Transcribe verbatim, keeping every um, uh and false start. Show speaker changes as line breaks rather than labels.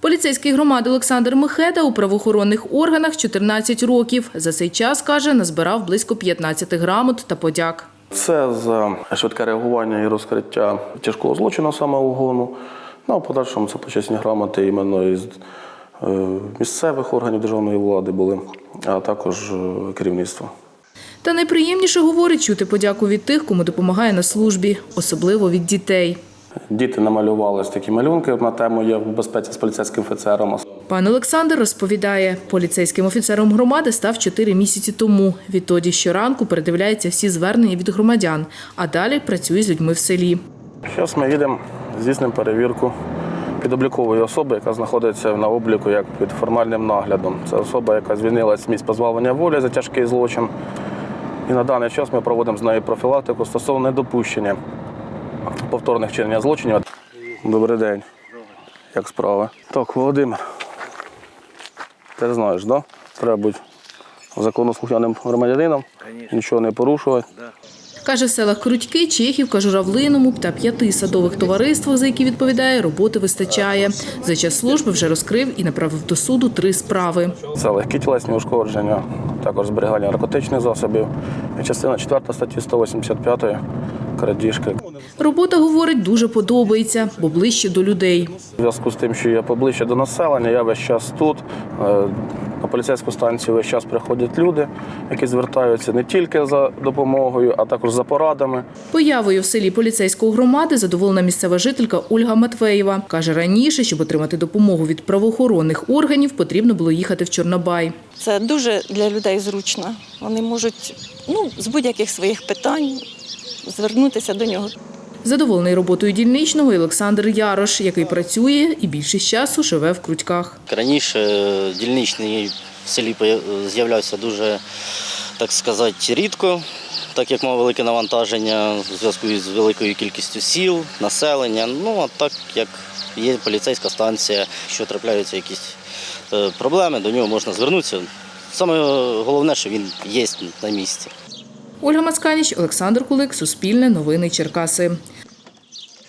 Поліцейський громади Олександр Михеда у правоохоронних органах чотирнадцять років. За цей час, каже, назбирав близько п'ятнадцяти грамот та подяк.
Це за швидке реагування і розкриття тяжкого злочину самоугону. Ну, а в подальшому це почесні грамоти іменно із місцевих органів державної влади були, а також керівництва.
Та найприємніше, говорить, чути подяку від тих, кому допомагає на службі, особливо від дітей.
Діти намалювали такі малюнки на тему «Я в безпеці з поліцейським офіцером».
Пан Олександр розповідає, поліцейським офіцером громади став чотири місяці тому. Відтоді щоранку передивляється всі звернення від громадян, а далі працює з людьми в селі.
Зараз ми їдемо, здійснимо перевірку підоблікової особи, яка знаходиться на обліку як під формальним наглядом. Це особа, яка звільнилась з місць позбавлення волі за тяжкий злочин. І на даний час ми проводимо з нею профілактику стосовно недопущення повторних вчинення злочинів. Добрий день. Як справи? Так, Володимир, ти знаєш, да? Треба бути законослухняним громадянином, нічого не порушувати.
Каже, в селах Крутьки, Чехівка, Журавлиному та п'яти садових товариствах, за які відповідає, роботи вистачає. За час служби вже розкрив і направив до суду три справи.
Це легкі тілесні ушкодження, також зберігання наркотичних засобів. І частина четверта статті сто вісімдесят п'ять крадіжки.
Робота, говорить, дуже подобається, бо ближче до людей.
У зв'язку з тим, що я поближче до населення, я весь час тут. На поліцейську станцію весь час приходять люди, які звертаються не тільки за допомогою, а також за порадами.
Появою в селі поліцейської громади задоволена місцева жителька Ольга Матвеєва. Каже, раніше, щоб отримати допомогу від правоохоронних органів, потрібно було їхати в Чорнобай.
Це дуже для людей зручно. Вони можуть ну, з будь-яких своїх питань звернутися до нього.
Задоволений роботою дільничного Олександр Ярош, який працює і більшість часу живе в Крутьках.
Раніше дільничний в селі з'являвся дуже, так сказати, рідко, так як мав велике навантаження у зв'язку з великою кількістю сіл, населення. Ну, а так як є поліцейська станція, що трапляються якісь проблеми, до нього можна звернутися. Саме головне, що він є на місці.
Ольга Мацканіч, Олександр Кулик, Суспільне, Новини Черкаси.